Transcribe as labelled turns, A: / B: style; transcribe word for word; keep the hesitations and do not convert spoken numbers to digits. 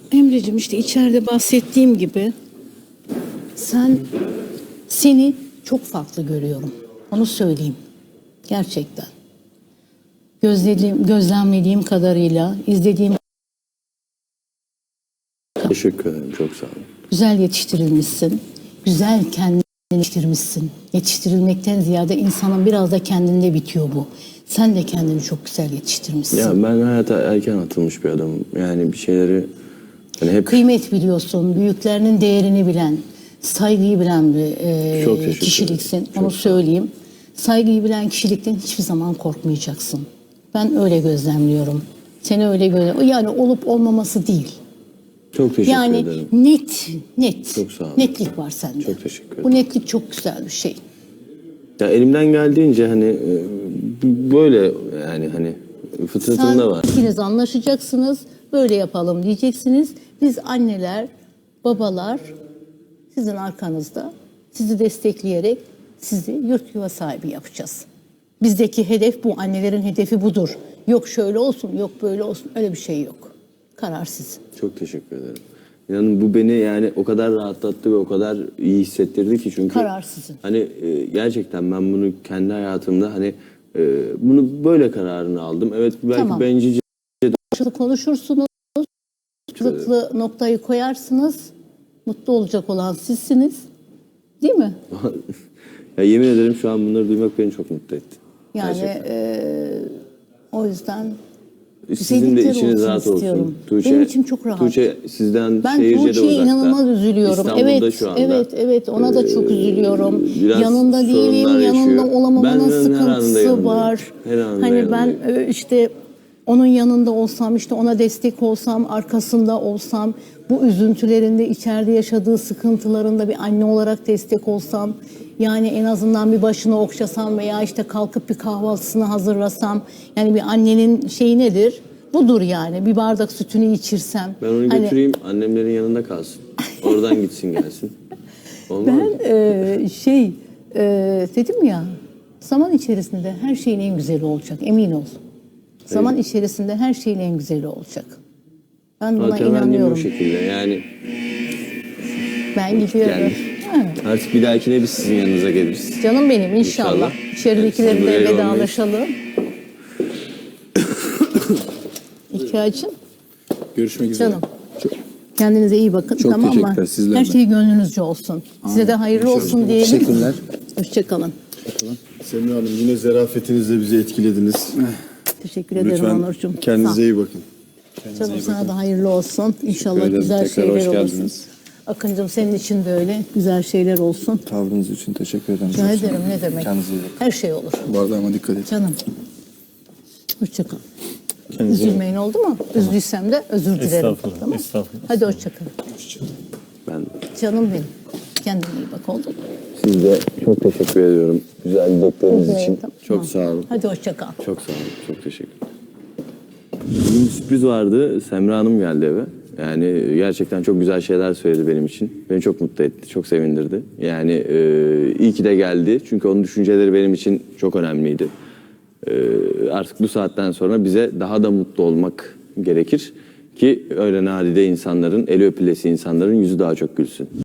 A: Emreciğim, işte içeride bahsettiğim gibi sen seni çok farklı görüyorum. Onu söyleyeyim. Gerçekten. Gözlediğim, gözlemlediğim kadarıyla, izlediğim
B: Teşekkür ederim. Çok sağ olun.
A: güzel yetiştirilmişsin. Güzel kendini yetiştirmişsin. Yetiştirilmekten ziyade insanın biraz da kendinde bitiyor bu. Sen de kendini çok güzel yetiştirmişsin.
B: Ya ben hayata erken atılmış bir adamım. Yani bir şeyleri hani hep
A: Kıymet biliyorsun, büyüklerinin değerini bilen, saygıyı bilen bir e,
B: Çok teşekkür
A: kişiliksin.
B: ederim.
A: Onu
B: Çok
A: söyleyeyim. Saygıyı bilen kişilikten hiçbir zaman korkmayacaksın. Ben öyle gözlemliyorum. Seni öyle gözlemliyorum. Yani olup olmaması değil.
B: çok teşekkür
A: Yani
B: ederim.
A: net, net.
B: Çok sağ olun.
A: Netlik var sende.
B: Çok teşekkür ederim.
A: Bu netlik çok güzel bir şey.
B: Ya elimden geldiğince hani e, böyle yani hani fıtratımda
A: Sen
B: var.
A: ikiniz anlaşacaksınız, böyle yapalım diyeceksiniz. Biz anneler, babalar sizin arkanızda, sizi destekleyerek sizi yurt yuva sahibi yapacağız. Bizdeki hedef bu, annelerin hedefi budur. Yok şöyle olsun, yok böyle olsun, öyle bir şey yok. Karar sizin.
B: Çok teşekkür ederim. İnanın bu beni yani o kadar rahatlattı ve o kadar iyi hissettirdi ki çünkü
A: Karar sizin.
B: hani e, gerçekten ben bunu kendi hayatımda hani e, bunu böyle kararını aldım. Evet belki
A: Tamam.
B: bencilce
A: Karşılıklı konuşursunuz, karşılıklı noktayı koyarsınız, mutlu olacak olan sizsiniz. Değil mi?
B: ya yemin ederim şu an bunları duymak beni çok mutlu etti.
A: Yani
B: Gerçekten.
A: eee, o yüzden
B: Sizin de
A: güzellikler
B: içiniz
A: olsun
B: rahat
A: istiyorum.
B: olsun. Tuğçe,
A: Benim içim çok rahat.
B: Tuğçe sizden
A: Ben
B: şehirce de
A: Tuğçe'ye
B: uzakta.
A: inanılmaz üzülüyorum.
B: İstanbul'da
A: Evet,
B: şu anda.
A: evet, evet. Ona da çok üzülüyorum.
B: biraz
A: Yanında değilim,
B: sorunlar
A: yanında
B: yaşıyor.
A: olamamanın
B: Ben her anında
A: sıkıntısı
B: yanındayım.
A: var.
B: Her anında
A: Hani ben
B: yanındayım.
A: e, işte onun yanında olsam, işte ona destek olsam, arkasında olsam, bu üzüntülerinde, içeride yaşadığı sıkıntılarında bir anne olarak destek olsam, yani en azından bir başını okşasam veya işte kalkıp bir kahvaltısını hazırlasam, yani bir annenin şeyi nedir? Budur yani. Bir bardak sütünü içirsem.
B: Ben onu
A: Hani
B: götüreyim annemlerin yanında kalsın. Oradan gitsin gelsin. Olmaz mı?
A: ben e, şey e, dedim ya, zaman içerisinde her şeyin en güzeli olacak, emin ol. Zaman içerisinde her şeyin en güzeli olacak. Ben buna
B: Zaten annem
A: inanıyorum.
B: o şekilde yani
A: Ben gidiyorum.
B: geldi.
A: Ha.
B: Artık bir dahakine biz sizin yanınıza geliriz.
A: Canım benim, inşallah.
B: İnşallah.
A: İçeridekilerle
B: Siz buraya
A: vedalaşalım. İhtiyacın
C: Görüşmek üzere.
A: canım. Kendinize iyi bakın,
C: Çok
A: tamam mı?
C: teşekkürler, sizler
A: Her
C: de.
A: şey gönlünüzce olsun. Size de hayırlı
C: İnşallah.
A: olsun diyelim.
C: Teşekkürler.
A: Hoşçakalın.
D: Semra Hanım yine zarafetinizle bizi etkilediniz.
A: Teşekkür ederim
D: Lütfen
A: Onurcuğum. Sağ ol.
D: kendinize iyi bakın.
A: Canım sana da hayırlı olsun. İnşallah
C: ederim.
A: güzel
C: Tekrar
A: şeyler
C: hoş
A: olsun.
C: geldiniz.
A: Akıncığım senin için de öyle. Güzel şeyler olsun.
C: Tavrınız için teşekkür ederim.
A: Rica ederim, ne demek.
C: Kendinize iyi bakın.
A: Her şey olur.
C: Bu arada ama dikkat edin.
A: Canım. Hoşça kal. Üzülmeyin, oldu mu? Üzdüysem de özür dilerim.
E: Estağfurullah,
A: Tamam.
E: estağfurullah.
A: Hadi hoşça kal.
B: Ben
A: Canım benim. Kendine iyi bak, oldu mu?
B: siz de çok teşekkür ediyorum. Güzel dilekleriniz
A: Evet,
B: için.
A: tamam.
B: Çok sağ olun.
A: Hadi hoşça kal.
B: Çok sağ olun. Çok teşekkür ederim. Bugün bir sürpriz vardı. Semra Hanım geldi eve. Yani gerçekten çok güzel şeyler söyledi benim için. Beni çok mutlu etti, çok sevindirdi. Yani e, iyi ki de geldi. Çünkü onun düşünceleri benim için çok önemliydi. E, artık bu saatten sonra bize daha da mutlu olmak gerekir. Ki öyle nadide insanların, eli öpülesi insanların yüzü daha çok gülsün.